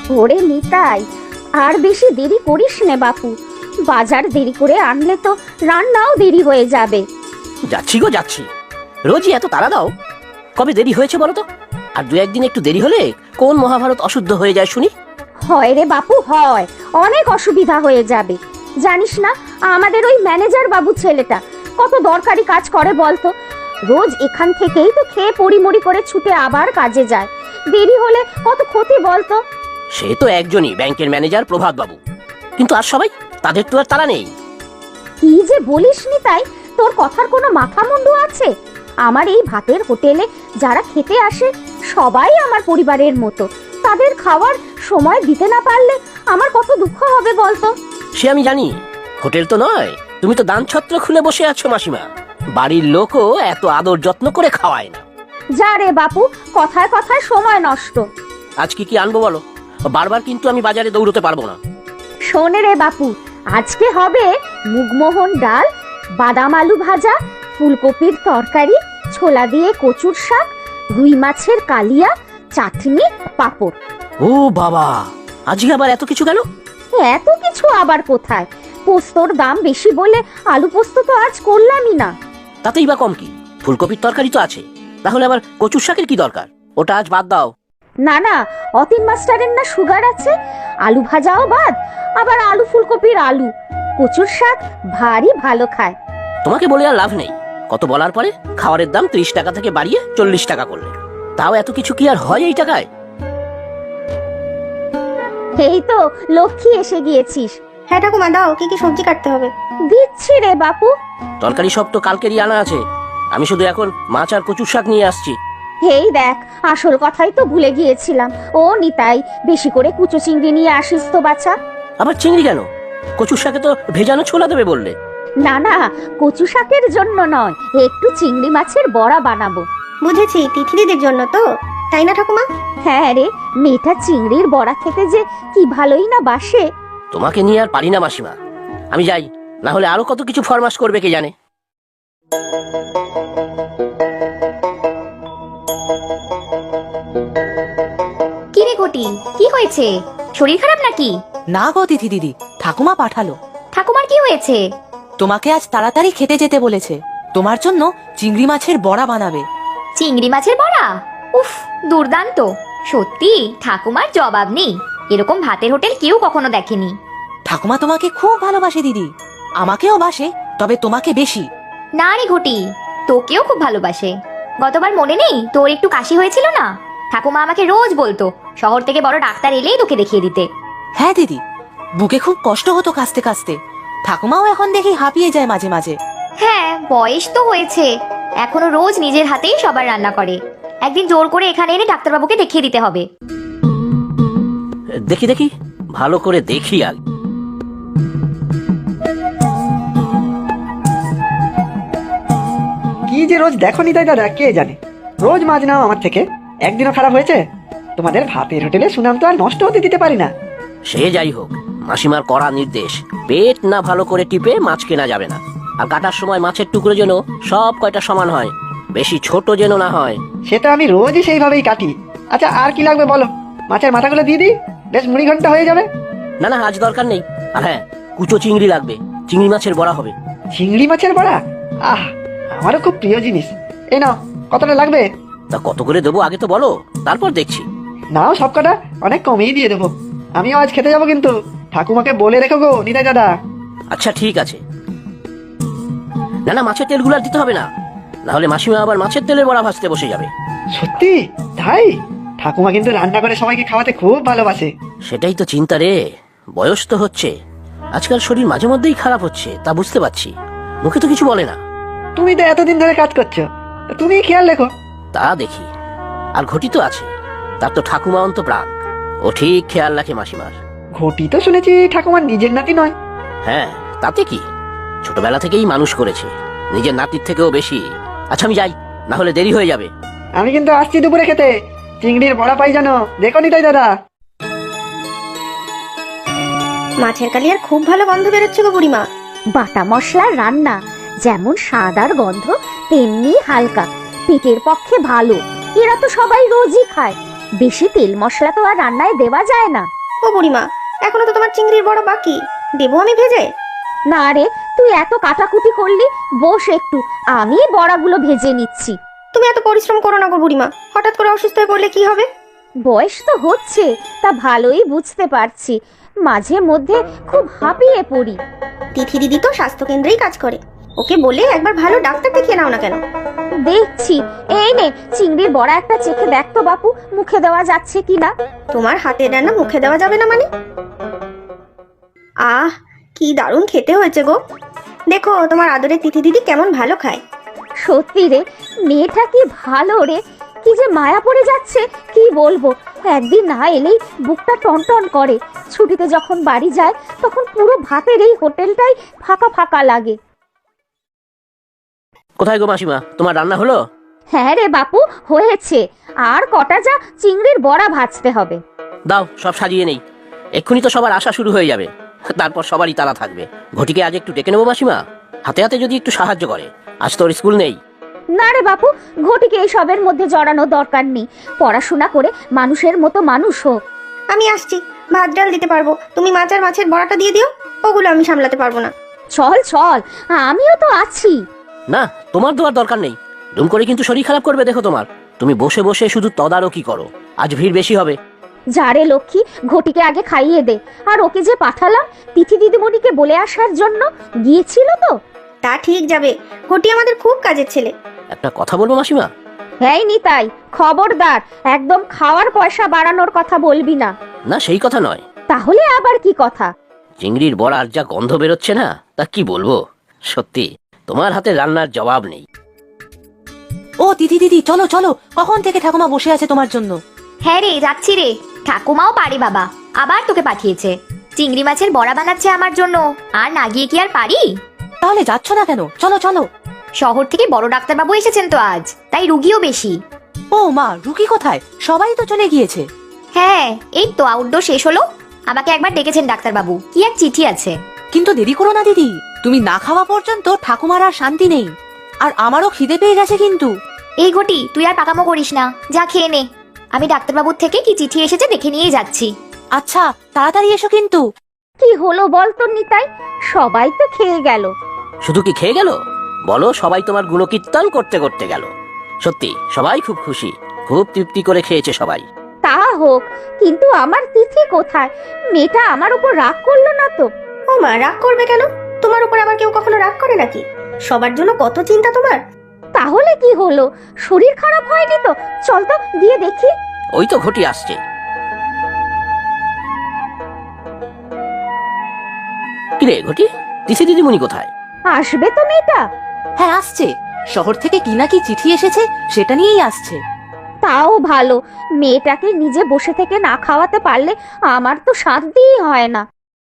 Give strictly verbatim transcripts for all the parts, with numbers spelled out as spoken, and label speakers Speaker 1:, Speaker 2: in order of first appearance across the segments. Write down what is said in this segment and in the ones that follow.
Speaker 1: ওরে নিতাই, আর বেশি দেরি করিস নে বাপু। বাজার দেরি করে আনলে তো রান্নাও দেরি হয়ে যাবে।
Speaker 2: যাচ্ছি গো যাচ্ছি, রোজই এত তাড়া দাও? কবে দেরি হয়েছে বলো তো? আর দু একদিন একটু দেরি হলে কোন মহাভারত অশুদ্ধ হয়ে যায় শুনি?
Speaker 1: হয় রে বাপু হয়, অনেক অসুবিধা হয়ে যাবে। জানিস না আমাদের ওই ম্যানেজার বাবু ছেলেটা কত দরকারি কাজ করে বলতো? রোজ এখান থেকেই তো খেয়ে পরিমরি করে ছুটে আবার কাজে যায়। দেরি হলে কত ক্ষতি বলতো?
Speaker 2: সে তো একজনই, ব্যাংকের ম্যানেজার প্রভাত বাবু, কিন্তু আর সবাই? তাদের তো আর তারা নেই।
Speaker 1: কি যে বলিস নি তাই, তোর কথার কোনো মাথা মুন্ডু আছে? আমার এই ভাতের হোটেলে যারা খেতে আসে সবাই আমার পরিবারের মতো। তাদের খাওয়ার সময় দিতে না পারলে আমার কত দুঃখ হবে বলতো?
Speaker 2: সে আমি জানি, হোটেল তো নয়, তুমি তো দান ছত্র খুলে বসে আছো মাসিমা। বাড়ির লোকও এত আদর যত্ন করে খাওয়ায় না।
Speaker 1: যা রে বাপু, কথায় কথায় সময় নষ্ট।
Speaker 2: আজ কি কি আনবো বলো? বারবার কিন্তু আমি বাজারে দৌড়তে পারবো না।
Speaker 1: শোনে রে বাপু, আজকে হবে মুগমোহন ডাল, বাদাম আলু ভাজা, ফুলকপির তরকারি, ছোলা দিয়ে কচুর শাক, রুই মাছের কালিয়া, চাটনি, পাঁপড়।
Speaker 2: ও বাবা, আজকে আবার এত কিছু কেন?
Speaker 1: এত কিছু আবার কোথায়? পোস্তর দাম বেশি বলে আলু পোস্ত তো আজ করলামই না।
Speaker 2: তাতেই বা কম কি? ফুলকপির তরকারি তো আছে, তাহলে আবার কচুর শাকের কি দরকার? ওটা আজ বাদ দাও।
Speaker 1: না না, অতীন মাস্টারের না সুগার আছে, আলু ভাজাও বাদ, আবার আলু ফুলকপির আলু। কচুর শাক ভারী ভালো খায়।
Speaker 2: তোমাকে বলে আর লাভ নেই, কত বলার পরে খাবারের দাম ত্রিশ টাকা থেকে বাড়িয়ে চল্লিশ টাকা করলে। তাও এত কিছু কি আর হয় এই টাকায়?
Speaker 1: এই তো লক্ষ্মী এসে গিয়েছিস।
Speaker 3: হ্যাঁ ঠাকুমা, দাও কি কি সবজি কাটতে হবে?
Speaker 1: দিচ্ছি রে বাপু।
Speaker 2: তরকারি সব তো কালকেরই আনা আছে, আমি শুধু এখন মাছ আর কচুর শাক নিয়ে আসছি।
Speaker 1: এই দেখ, আসল কথাই তো ভুলে গিয়েছিলাম। ও নিতাই, বেশি করে কুচো চিংড়ি নিয়ে আসিস তো বাছা।
Speaker 2: আবার চিংড়ি কেন? কচুর শাকে তো ভেজানো ছোলা দেবে বললে।
Speaker 1: না না, কচু শাকের জন্য নয়, একটু চিংড়ি মাছের বড়া বানাবো।
Speaker 3: বুঝেছি, তিথি দিদির জন্য তো, তাই না ঠাকুমা?
Speaker 1: হ্যাঁ রে, মেয়েটা চিংড়ির বড়া খেতে যে কি ভালোই না বাসে।
Speaker 2: তোমাকে নিয়ে আর পারি না মাসিমা, আমি যাই, না হলে আরো কত কিছু ফরমাস করবে কে জানে।
Speaker 4: কি রে ঘটি, কি হয়েছে? শরীর খারাপ নাকি?
Speaker 5: না গো তিথি দিদি, ঠাকুমা পাঠালো।
Speaker 4: ঠাকুমার কি হয়েছে?
Speaker 5: তোমাকে আজ তাড়াতাড়ি খেতে যেতে বলেছে, তোমার জন্য চিংড়ি মাছের বড়া বানাবে।
Speaker 4: চিংড়ি মাছের বড়া? উফ, দুর্দান্ত! সত্যি ঠাকুমার জবাব নেই, এরকম ভাতের হোটেল কেউ কখনো দেখেনি।
Speaker 5: ঠাকুমা তোমাকে খুব ভালোবাসে দিদি, আমাকেও বাসে, তবে তোমাকে বেশি।
Speaker 4: না রে ঘটি, তোকেও খুব ভালোবাসে। গতবার মনে নেই তোর একটু কাশি হয়েছিল না? ঠাকুমা আমাকে রোজ বলতো শহর থেকে বড় ডাক্তার এলেই তোকে দেখিয়ে দিতে।
Speaker 5: হ্যাঁ দিদি, বুকে খুব কষ্ট হতো কাশতে কাশতে, ঠাকুমাও এখন দেখি হাঁপিয়ে যায় মাঝে মাঝে।
Speaker 4: হ্যাঁ, বয়স তো হয়েছে, এখনো রোজ নিজের হাতেই সবার রান্না করে। একদিন জোর করে এখানে এনে ডাক্তারবাবুকে দেখিয়ে দিতে হবে।
Speaker 2: দেখি দেখি, ভালো করে দেখি আগে।
Speaker 6: কি যে রোজ দেখো নিতাই দাদা, কে জানে, রোজ মাছ নাও আমার থেকে। একদিনও খারাপ হয়েছে? তোমাদের ভাতের হোটেলে সুনাম তো আর নষ্ট হতে দিতে পারি না।
Speaker 2: সে যাই হোক, মাসিমার কড়া নির্দেশ, পেট না ভালো করে টিপে মাছ কেনা যাবে না। আর কাটার সময় মাছের টুকরো যেন সব কয়টা সমান হয়, বেশি ছোট যেন না হয়।
Speaker 6: সেটা আমি রোজই সেইভাবেই কাটি। আচ্ছা, আর কি লাগবে বলো? মাছের মাথাগুলো দিয়ে দিই, বেশ মুড়ি ঘন্টা হয়ে যাবে।
Speaker 2: না না, আজ দরকার নেই। আর হ্যাঁ, কুচো চিংড়ি লাগবে, চিংড়ি মাছের বড়া হবে।
Speaker 6: চিংড়ি মাছের বড়া? আহ, আমারও খুব প্রিয় জিনিস। এই নাও, কতটা লাগবে?
Speaker 2: তা কত করে দেবো আগে তো বলো, তারপর দেখছি।
Speaker 6: নাও সব কটা, অনেক কমেই দিয়ে দেবো। আমিও আজ খেতে যাবো, কিন্তু ঠাকুমাকে বলে রেখো গো নিতাই দাদা।
Speaker 2: আচ্ছা ঠিক আছে। না না, মাছের তেলগুলো আর দিতে হবে না, না হলে মাসিমা আবার মাছের তেলের বড়া ভাজতে বসে যাবে।
Speaker 6: সত্যি তাই? ঠাকুমা কিন্তু রান্না করে সবাইকে খাওয়াতে খুব ভালোবাসে।
Speaker 2: সেটাই তো চিন্তা রে, বয়স তো হচ্ছে, আজকাল শরীর মাঝে মধ্যেই খারাপ হচ্ছে, তা বুঝতে পারছি, মুখে তো কিছু বলে না।
Speaker 6: তুমি তো এতদিন ধরে কাজ করছো, তুমি খেয়াল রেখো।
Speaker 2: তা দেখি। আর ঘটি তো আছে, তার তো ঠাকুমা অন্ত প্রাণ, ও ঠিক খেয়াল রাখে মাসিমার।
Speaker 6: ঘটি তো শুনেছি ঠাকুমার নিজের নাতি নয়।
Speaker 2: হ্যাঁ, তাতে কি, ছোটবেলা থেকেই মানুষ করেছে, নিজের নাতির থেকেও বেশি। আচ্ছা আমি যাই, না হলে দেরি হয়ে যাবে।
Speaker 6: আমি কিন্তু আসছি দুপুরে খেতে, চিংড়ির বড়া পাই জানো, দেখো নিতাই দাদা।
Speaker 3: মাছের কালিয়ার খুব ভালো গন্ধ বেরোচ্ছে গো বুড়িমা।
Speaker 1: বাটা মশলার রান্না যেমন স্বাদ আর গন্ধ, তেমনি হালকা, পেটের পক্ষে ভালো। এরা তো সবাই রোজই খায়, বেশি তেল মশলা তো আর রান্নায় দেওয়া যায় না।
Speaker 3: ও বুড়িমা, এখনো তো তোমার চিংড়ির বড়া বাকি, দেবো আমি ভেজে?
Speaker 1: না রে, তুই এত কাটাকুটি করলি, বস একটু, আমি বড়াগুলো ভেজে নিচ্ছি।
Speaker 3: তুমি এত পরিশ্রম করো না গো বুড়িমা, হঠাৎ করে অসুস্থ হয়ে পড়লে কি হবে?
Speaker 1: বয়স তো হচ্ছে, তা ভালোই বুঝতে পারছি, মাঝে মধ্যে খুব হাঁপিয়ে পড়ি।
Speaker 3: তিথি দিদি তো স্বাস্থ্য কেন্দ্রেই কাজ করে, ওকে বলে একবার ভালো ডাক্তার দেখিয়ে নাও না কেন?
Speaker 1: দেখছি, এই নে চিংড়ির বড়া একটা চেখে দেখ তো বাপু, মুখে দেওয়া যাচ্ছে কিনা।
Speaker 3: তোমার হাতের রান্না মুখে দেওয়া যাবে না মানে? আহ, কি দারুণ খেতে হয়েছে গো। দেখো তোমার আদরের তিথি দিদি কেমন ভালো খায়।
Speaker 1: সত্যি রে, মেয়েটা কি ভালো রে, কি যে মায়া পড়ে যাচ্ছে কি বলবো। একদিন না এলেই বুকটা টনটন করে, ছুটিতে যখন বাড়ি যায় তখন পুরো ভাতের এই হোটেলটাই ফাঁকা ফাঁকা লাগে।
Speaker 2: কোথায় গো মাসিমা, তোমার রান্না হলো?
Speaker 1: হ্যাঁ রে বাপু, হয়েছে, আর কটা যা চিংড়ির বড়া ভাজতে হবে।
Speaker 2: দাও সব সাজিয়ে নেই, এক্ষুনি তো সবার আসা শুরু হয়ে যাবে, তারপর সবারই তাড়া থাকবে। ঘটিকে আজ একটু ডেকে নেবো মাসিমা, হাতে হাতে যদি একটু সাহায্য করে, আজ তোর স্কুল নেই।
Speaker 1: না রে বাপু, ঘটিকে এইসবের মধ্যে জড়ানোর দরকার নেই, পড়াশোনা করে মানুষের মতো মানুষ হোক।
Speaker 3: আমি আসছি, ভাত ডাল দিতে পারবো, তুমি মাছ আর মাছের বড়াটা দিয়ে দিও, ওগুলো আমি সামলাতে পারবো না।
Speaker 1: চল চল, আমিও তো আছি।
Speaker 2: না, তোমার দেওয়ার দরকার নেই, দুম করে কিন্তু শরীর খারাপ করবে দেখো তোমার। তুমি বসে বসে শুধু তদারকি করো, আজ ভিড় বেশি হবে।
Speaker 1: যারে লক্ষ্মী, ঘটিকে আগে খাইয়ে দে। আর ওকে যে পাঠালাম তিথি দিদিমণিকে বলে আসার জন্য, গিয়েছিল তো?
Speaker 3: তা ঠিক যাবে, ঘটি আমাদের খুব কাজের ছেলে।
Speaker 2: একটা কথা বলবো মাসিমা?
Speaker 1: হ্যাঁ নিতাই, খবরদার, একদম খাওয়ার পয়সা বাড়ানোর কথা বলবি না।
Speaker 2: না, সেই কথা নয়।
Speaker 1: তাহলে আবার কি কথা?
Speaker 2: চিংড়ির বড়ার যা গন্ধ বেরোচ্ছে না, তা কি বলবো। সত্যি তোমার হাতে রান্নার জবাব নেই।
Speaker 5: ও তিথি দিদি, চলো চলো, কখন থেকে ঠাকুমা বসে আছে তোমার জন্য।
Speaker 4: হ্যাঁ রে, যাচ্ছি রে। ঠাকুমাও পারে বাবা, আবার তোকে পাঠিয়েছে। চিংড়ি মাছের বড়া বানাচ্ছে আমার জন্য, আর না গিয়ে কি আর পারি?
Speaker 5: তাহলে যাচ্ছ না কেন? চলো চলো।
Speaker 4: শহর থেকে বড় ডাক্তারবাবু এসেছেন তো আজ, তাই রুগীও বেশি।
Speaker 5: ও মা, রুকি কোথায়? সবাই তো চলে গিয়েছে।
Speaker 4: হ্যাঁ, এই তো আউটডোর শেষ হলো, আমাকে একবার ডেকেছেন ডাক্তারবাবু, কি এক চিঠি আছে।
Speaker 5: কিন্তু দেরি করো না দিদি, তুমি না খাওয়া পর্যন্ত ঠাকুমার আর শান্তি নেই। আর আমারও খিদে পেয়ে গেছে কিন্তু।
Speaker 4: এই ঘটি, তুই আর পাকামো করিস না, যা খেয়ে নে। আমি ডাক্তারবাবুর থেকে কি চিঠি এসেছে দেখে নিয়ে যাচ্ছি।
Speaker 5: আচ্ছা, তাড়াতাড়ি এসো কিন্তু।
Speaker 1: কি হলো বল তো নিতাই, সবাই তো খেয়ে গেল।
Speaker 2: শুধু কি খেয়ে গেল? বলো, সবাই তোমার গুণকীর্তন করতে করতে গেল। সত্যি সবাই খুব খুশি, খুব তৃপ্তি করে খেয়েছে সবাই।
Speaker 1: তা হোক, কিন্তু আমার তিথি কোথায়? মেয়েটা আমার উপর রাগ করলো না তো?
Speaker 3: ও মা, রাগ করবে কেন? তোমার উপর আবার কেউ কখনো রাগ করে নাকি? সবার জন্য কত চিন্তা তোমার।
Speaker 1: তাহলে কি হলো, শরীর খারাপ হয়নি তো? চল তো দিয়ে দেখি।
Speaker 2: ওই তো ঘটি আসছে। কিরে ঘটি, তিথি দিদিমণি কোথায়?
Speaker 1: আসবে তো মেয়েটা?
Speaker 5: হ্যাঁ আসছে, শহর থেকে কি না কি চিঠি এসেছে, সেটা নিয়েই আসছে।
Speaker 1: তাও ভালো, মেয়েটাকে নিজে বসে থেকে না খাওয়াতে পারলে আমার তো শান্তিই হয় না।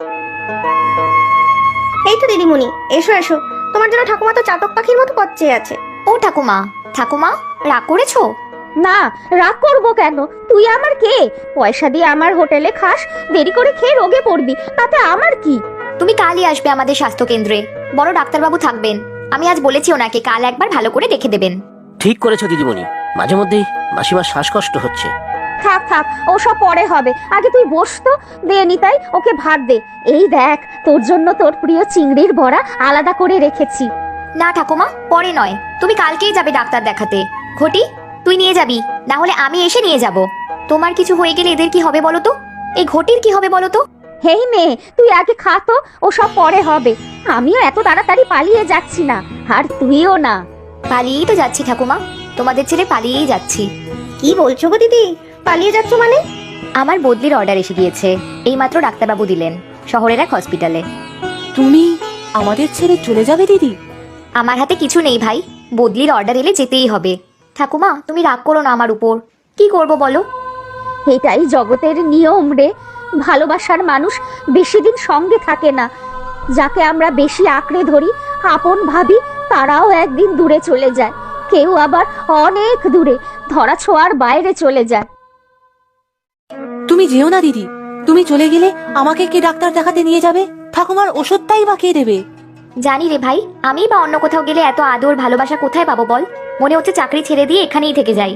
Speaker 3: এই তো দিদিমণি, এসো এসো, তোমার জন্য ঠাকুমা তো চাতক পাখির মতো পথ চেয়ে আছে।
Speaker 4: ও ঠাকুমা, ঠাকুমা রাগ করেছো?
Speaker 1: না, রাগ করবো কেন? তুই আমার কে? পয়সা দিয়ে আমার হোটেলে খাস, দেরি করে খেয়ে রোগে পড়বি, তাতে আমার কি?
Speaker 4: তুমি কালই আসবে আমাদের স্বাস্থ্য কেন্দ্রে, বড় ডাক্তারবাবু থাকবেন। আমি আজ বলেছি ওনাকে কাল একবার ভালো করে দেখে দেবেন।
Speaker 2: ঠিক করেছো দিদিমণি, মাঝে মধ্যেই মাসিমার শ্বাসকষ্ট হচ্ছে।
Speaker 1: থাক থাক, ওসব পরে হবে, আগে তুই বস তো। দে নিতাই, ওকে ভাত দে। এই দেখ, তোর জন্য তোর প্রিয় চিংড়ির বড়া আলাদা করে রেখেছি।
Speaker 4: না ঠাকুমা, পরে নয়, তুমি কালকেই যাবে ডাক্তার দেখাতে। ঘটি, তুই নিয়ে যাবি, না হলে আমি এসে নিয়ে যাব। তোমার কিছু হয়ে গেলে এদের কি হবে বলো তো? এই ঘটির কি হবে বলো তো?
Speaker 1: হেই মেয়ে, তুই আগে খা তো, ওসব পরে হবে। আমিও এত তাড়াতাড়ি পালিয়ে যাচ্ছি না, আর তুইও না।
Speaker 4: পালিয়েই তো যাচ্ছি ঠাকুমা, তোমাদের ছেড়ে পালিয়েই যাচ্ছি।
Speaker 3: কি বলছো গো দিদি, পালিয়ে যাচ্ছ মানে?
Speaker 4: আমার বদলির অর্ডার এসে গিয়েছে, এইমাত্র ডাক্তারবাবু দিলেন, শহরের এক হসপিটালে।
Speaker 5: তুমি আমাদের ছেড়ে চলে যাবে দিদি?
Speaker 4: আমার হাতে কিছু নেই ভাই, বদলির অর্ডার এলে যেতেই হবে। ঠাকুমা, তুমি রাগ করো না আমার উপর, কি করব বলো?
Speaker 1: এটাই জগতের নিয়ম রে, ভালোবাসার মানুষ বেশি দিন সঙ্গে থাকে না। যাকে আমরা বেশি আঁকড়ে ধরি, আপন ভাবি, তারাও একদিন দূরে চলে যায়, কেউ আবার অনেক দূরে, ধরা ছোঁয়ার বাইরে চলে যায়।
Speaker 5: তুমি যেও না দিদি, তুমি চলে গেলে আমাকে কে ডাক্তার দেখাতে নিয়ে যাবে? ঠাকুমার ওষুধটাই বা কে দেবে?
Speaker 4: জানি রে ভাই, আমি বা অন্য কোথাও গেলে এত আদর ভালোবাসা কোথায় পাবো বল? মনে হচ্ছে চাকরি ছেড়ে দিয়ে এখানেই থেকে যাই।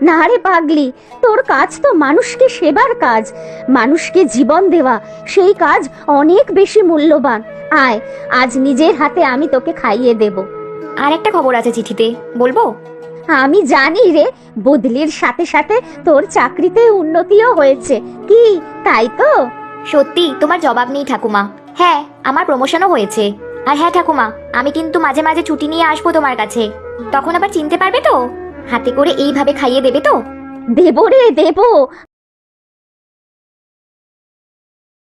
Speaker 1: না রে পাগলি, তোর কাজ তো মানুষকে সেবার কাজ, মানুষকে জীবন দেওয়া, সেই কাজ অনেক বেশি মূল্যবান। আয়, আজ নিজের হাতে আমি তোকে খাইয়ে দেব।
Speaker 4: আর একটা খবর আছে চিঠিতে, বলবো?
Speaker 1: আমি জানি রে, বদলির সাথে সাথে তোর চাকরিতে উন্নতিও হয়েছে। কি তাই তো?
Speaker 4: সত্যি তোমার জবাব নেই ঠাকুমা। হ্যাঁ, আমার প্রমোশনও হয়েছে। আর হ্যাঁ ঠাকুমা, আমি কিন্তু মাঝে মাঝে ছুটি নিয়ে আসবো তোমার কাছে। তখন আবার চিনতে পারবে তো? হাতে করে এইভাবে খাইয়ে দেবে তো?
Speaker 1: দেব রে দেব,